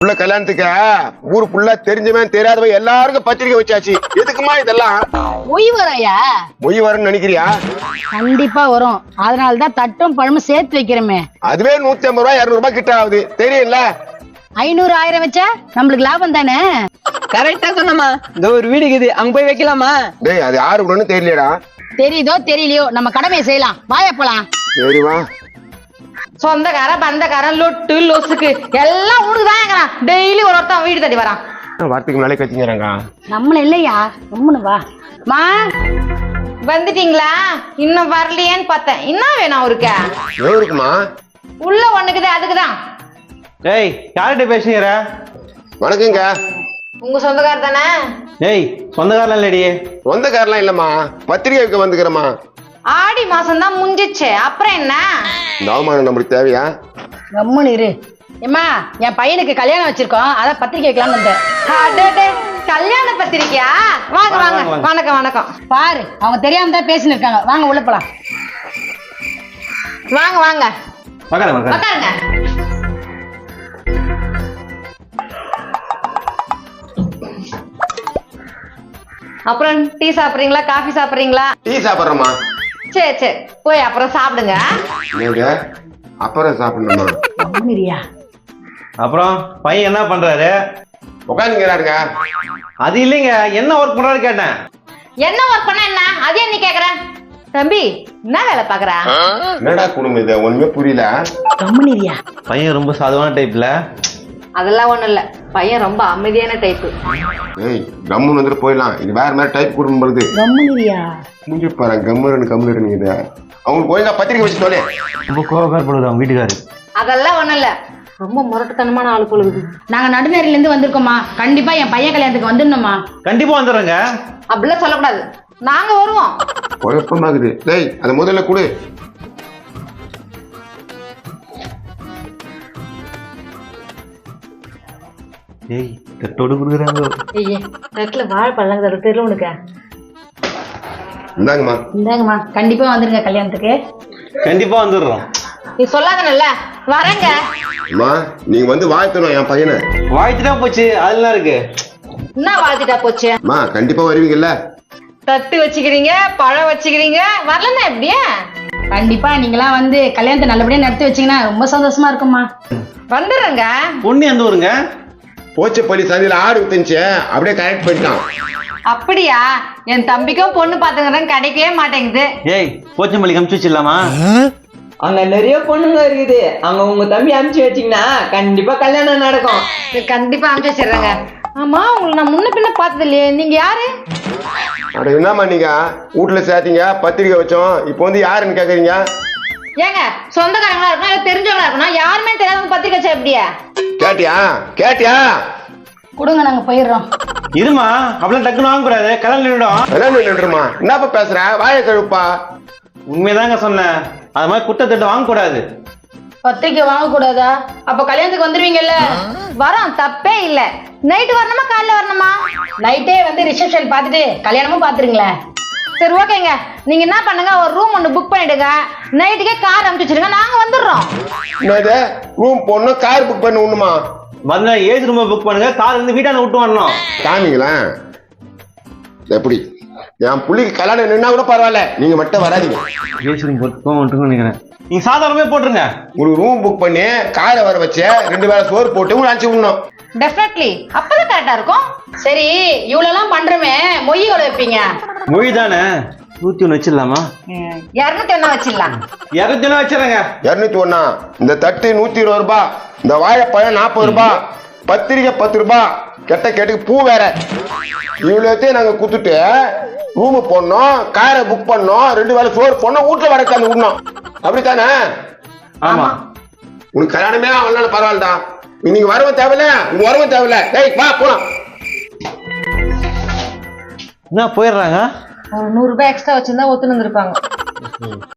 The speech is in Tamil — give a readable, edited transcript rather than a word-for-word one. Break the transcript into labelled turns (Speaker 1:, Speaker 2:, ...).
Speaker 1: உள்ள கல்யாணத்துக்கு ஊரு ஃபுல்லா தெரிஞ்சவன் தெரியாதவன் எல்லாருக்கும் பத்திரிக்கை வச்சாச்சு. எதுக்குமா இதெல்லாம்?
Speaker 2: மொய் வரையா?
Speaker 1: மொய் வரும்னு நினைக்கிறியா?
Speaker 2: கண்டிப்பா வரும். அதனாலதான் தட்டும் பழமும் சேர்த்து வைக்கிறோமே.
Speaker 1: அதுவே 150 ரூபாய் 200 ரூபாய் கிட்ட ஆகுது தெரியல.
Speaker 2: 500 1000 வச்சா நம்மளுக்கு லாபம் தானே.
Speaker 3: கரெக்டா சொன்னமா. இந்த ஒரு வீடு இருக்குது, அங்க போய் வைக்கலாமா?
Speaker 1: டேய் அது யாரு விடணும்னு தெரியலடா.
Speaker 2: தெரியுதோ தெரியலையோ நம்ம கடமையை செய்யலாம். வாயா போலாம்.
Speaker 1: சரிவா.
Speaker 4: சொந்தக்கார பந்தக்காரன் லொட்டு லொசுக்கு எல்லாம் உனக்குதான். டெய்லி ஒருத்தன் வீடு தட்டி வரான்.
Speaker 1: வார்த்தைக்கு முன்னாலே கத்திங்கிறாங்க.
Speaker 2: நம்மள இல்லையா, நம்மனு வா. மா
Speaker 4: வந்துட்டீங்களா? இன்னும் வரலையேன்னு பார்த்தேன். என்ன வேணும் அவருக்கு?
Speaker 1: எவருக்குமா?
Speaker 4: உள்ள ஒண்ணுக்குது, அதுக்குதான்.
Speaker 5: ஏய், யார்கிட்ட பேசுகிற?
Speaker 1: வணக்கங்க.
Speaker 4: உங்க சொந்தக்கார தானே?
Speaker 5: ஏய், சொந்தக்காரலாம் இல்லடி.
Speaker 1: சொந்தக்காரெல்லாம் இல்லம்மா, பத்திரிகை வைக்க வந்துக்கிறேம்மா.
Speaker 4: ஆடி மாசம் தான் முடிஞ்சிச்சு, அப்புறம் என்ன?
Speaker 1: இந்த அவமானம் நம்மளுக்கு தேவையா?
Speaker 2: கம்முன்னு இரு. ஏம்மா, என் பையனுக்கு கல்யாணம் வச்சிருக்கோம், அதான் பத்திரிக்கை வைக்கலாம்னு வந்தேன்.
Speaker 4: அடடே, கல்யாண பத்திரிக்கையா? வாங்க வாங்க. வணக்கம் வணக்கம்.
Speaker 2: பாரு, அவங்க தெரியாம தான் பேசின்னு இருக்காங்க. வாங்க உள்ள போலாம்.
Speaker 4: வாங்க வாங்க
Speaker 5: உட்காருங்க.
Speaker 4: உட்காருங்க. அப்புறம் டீ சாப்பிடுறீங்களா, காஃபி சாப்பிடுறீங்களா?
Speaker 1: டீ சாப்பிட்றோமா?
Speaker 4: சரி சரி, போய் அப்புறம் சாப்பிடுங்க.
Speaker 1: நீங்க அப்புறம் சாப்பிடணுமா?
Speaker 2: கம்முன்னு இருயா.
Speaker 5: அப்புறம் பையன் என்ன பண்றாரு?
Speaker 1: உட்காந்துங்கிறாருங்க.
Speaker 5: அது இல்லைங்க, என்ன ஒர்க் பண்றாரு கேட்டேன்.
Speaker 4: என்ன ஒர்க் பண்ண என்ன, அதே நீ கேக்குற? தம்பி, என்ன வேலை பாக்குற?
Speaker 1: என்னடா குடும்பம் இது? ஒண்ணுமே புரியல.
Speaker 2: கம்முன்னு இருயா.
Speaker 5: பையன் ரொம்ப சாதுவான டைப்ல.
Speaker 4: அதெல்லாம் ஒண்ணும் இல்ல, பையன் ரொம்ப அமைதியான டைப்பு.
Speaker 1: ஏய், கம்முன்னு வந்துட்டு போயிடலாம். இது வேற மாதிரி டைப் குடும்பம் பொழுது.
Speaker 2: கம்முன்னு இருயா.
Speaker 1: முடிஞ்சு பாரு, கம்முன்னு நீங்க இதை அவங்களுக்கு ஒழுங்கா பத்திரிக்கை வச்சு சொல்லு.
Speaker 5: ரொம்ப கோபப்படுது அவங்க வீட்டுக்காரு.
Speaker 4: அதெல்லாம் ஒண்ணும் இல்ல, ரொம்ப முரட்டுத்தனமான ஆளு பொழுது.
Speaker 2: நாங்க நடுநேரில இருந்து வந்திருக்கோமா. கண்டிப்பா என் பையன் கல்யாணத்துக்கு வந்துடணுமா.
Speaker 5: கண்டிப்பா வந்துடுறேங்க.
Speaker 4: அப்படிலாம் சொல்லக்கூடாது, நாங்க வருவோம்.
Speaker 1: குழப்பமாகுது. டேய், அதை முதல்ல கொடு.
Speaker 5: ஏய், தட்டோடு கொடுக்குறாங்க.
Speaker 4: ஐயே, தட்டுல வாழைப்பழம் தெரியல உனக்கு.
Speaker 1: இந்தாங்கம்மா.
Speaker 2: இந்தாங்கம்மா, கண்டிப்பா வந்துருங்க கல்யாணத்துக்கு.
Speaker 5: கண்டிப்பா வந்துடுறோம்.
Speaker 4: நீ சொல்லாதனல்ல, வரேங்க.
Speaker 1: அம்மா, நீங்க வந்து வாழ்த்தணும் என் பையனை.
Speaker 5: வாழ்த்துட்டா போச்சு, அதெல்லாம் இருக்கு.
Speaker 4: என்ன வாழ்த்துட்டா போச்சு?
Speaker 1: அம்மா, கண்டிப்பா வருவீங்கல்ல?
Speaker 4: தட்டு வச்சுக்கிறீங்க, பழம் வச்சுக்கிறீங்க, வரலன்னா எப்படியா?
Speaker 2: கண்டிப்பா நீங்களாம் வந்து கல்யாணத்தை நல்லபடியா நடத்தி வச்சீங்கன்னா ரொம்ப சந்தோஷமா இருக்கும்மா.
Speaker 4: வந்துடுறேங்க.
Speaker 5: பொண்ணு எந்த ஊருங்க?
Speaker 1: போச்சப்பள்ளி சந்தையில ஆடு வித்துச்சு, அப்படியே கரெக்ட் பண்ணிட்டான்.
Speaker 4: அப்படியா? என் தம்பிக்கும் பொண்ணு பாத்துக்கிறேன், கிடைக்கவே மாட்டேங்குது.
Speaker 5: ஏய், போச்சம்பள்ளி கமிச்சு வச்சிடலாமா?
Speaker 3: அங்க நிறைய பொண்ணுங்க இருக்குது, அங்க உங்க தம்பி அனுப்பிச்சு வச்சீங்கன்னா கண்டிப்பா கல்யாணம் நடக்கும்.
Speaker 4: கண்டிப்பா அனுப்பிச்சு வச்சிடுறேங்க. ஆமா, உங்களை நான் முன்ன பின்ன பார்த்தது இல்லையே, நீங்க யாரு?
Speaker 1: அட என்னம்மா, நீங்க வீட்டுல சேர்த்தீங்க, பத்திரிக்கை வச்சோம், இப்போ வந்து யாருன்னு கேக்குறீங்க?
Speaker 4: ஏங்க, சொந்தக்காரங்களா இருக்கணும் இல்ல தெரிஞ்சவங்களா இருக்கணும், யாருமே தெரியாதவங்க பத்திரிக்கை வச்சா எப்படியா?
Speaker 1: கேட்டியா?
Speaker 2: கொடுங்க, நாங்க போயிடுறோம்.
Speaker 5: இருமா, அப்படிலாம் டக்குன்னு வாங்க கூடாது, கல்யாணம் நின்றுடும்.
Speaker 1: கல்யாணம் நின்றுமா? என்னப்பா பேசுற? வாயை கழுப்பா.
Speaker 5: உண்மைதாங்க சொன்னேன். அது மாதிரி குட்டத்தட்டு வாங்க கூடாது.
Speaker 2: பத்திரிக்கை வாங்க கூடாதா? அப்ப கல்யாணத்துக்கு வந்துருவீங்கல்ல?
Speaker 4: வரோம், தப்பே இல்ல. நைட்டு வரணுமா காலைல வரணுமா?
Speaker 2: நைட்டே வந்து ரிசப்ஷன் பார்த்துட்டு கல்யாணமும் பாத்துருங்களேன்.
Speaker 4: சரி ஓகேங்க, நீங்க என்ன பண்ணுங்க, ஒரு ரூம் ஒன்று புக் பண்ணிடுங்க, நைட்டுக்கே கார் அனுப்பிச்சு வச்சிருங்க, நாங்க வந்துடுறோம்.
Speaker 1: என்னது? ரூம் போடணும், கார் புக் பண்ண ஒண்ணுமா?
Speaker 5: வந்து ஏஜ் ரூம் புக் பண்ணுங்க, கார் வந்து வீட்டான விட்டு வரணும்.
Speaker 1: காமிங்களா? எப்படி என் புள்ளிக்கு கல்யாணம் நின்னா கூட பரவாயில்ல, நீங்க மட்டும் வராதீங்க.
Speaker 5: ஏஜ் ரூம் போட்டு நினைக்கிறேன். நீங்க சாதாரணமே போட்டுருங்க.
Speaker 1: ஒரு ரூம் புக் பண்ணி காரை வர வச்சு 2 வேளை சோறு போட்டு உங்களுக்கு அனுப்பிச்சு விடணும்.
Speaker 4: டெஃபினெட்லி, அப்பதான் கரெக்டா இருக்கும்.
Speaker 2: சரி, இவ்வளவு பண்றோமே, மொய் எவ்வளவு வைப்பீங்க?
Speaker 5: மொழி தானே, 101 வச்சிடலாமா?
Speaker 4: 201 வச்சிடலாம்.
Speaker 5: 201 வச்சிடறேங்க.
Speaker 1: 201. இந்த தட்டு 120 ரூபாய், இந்த வாழைப்பழம் 40 ரூபாய், பத்திரிக்கை 10 ரூபாய், கெட்ட கேட்டுக்கு பூ வேற. இவ்வளோத்தையும் நாங்க குத்துட்டு ரூமு போடணும், காரை புக் பண்ணோம், 2 வேளை சோறு போடணும், வீட்டுல வர உட்காந்து விடணும். அப்படித்தானே?
Speaker 5: ஆமா.
Speaker 1: உனக்கு கல்யாணமே அவனால பரவாயில்லடா. நீங்க வரவும் தேவையில்ல, உங்க வரவும் தேவையில்ல. டேய் வா போலாம்.
Speaker 5: என்ன போயிடுறாங்க?
Speaker 4: ஒரு 100 ரூபாய் எக்ஸ்ட்ரா வச்சிருந்தா ஒத்துன்னு இருப்பாங்க.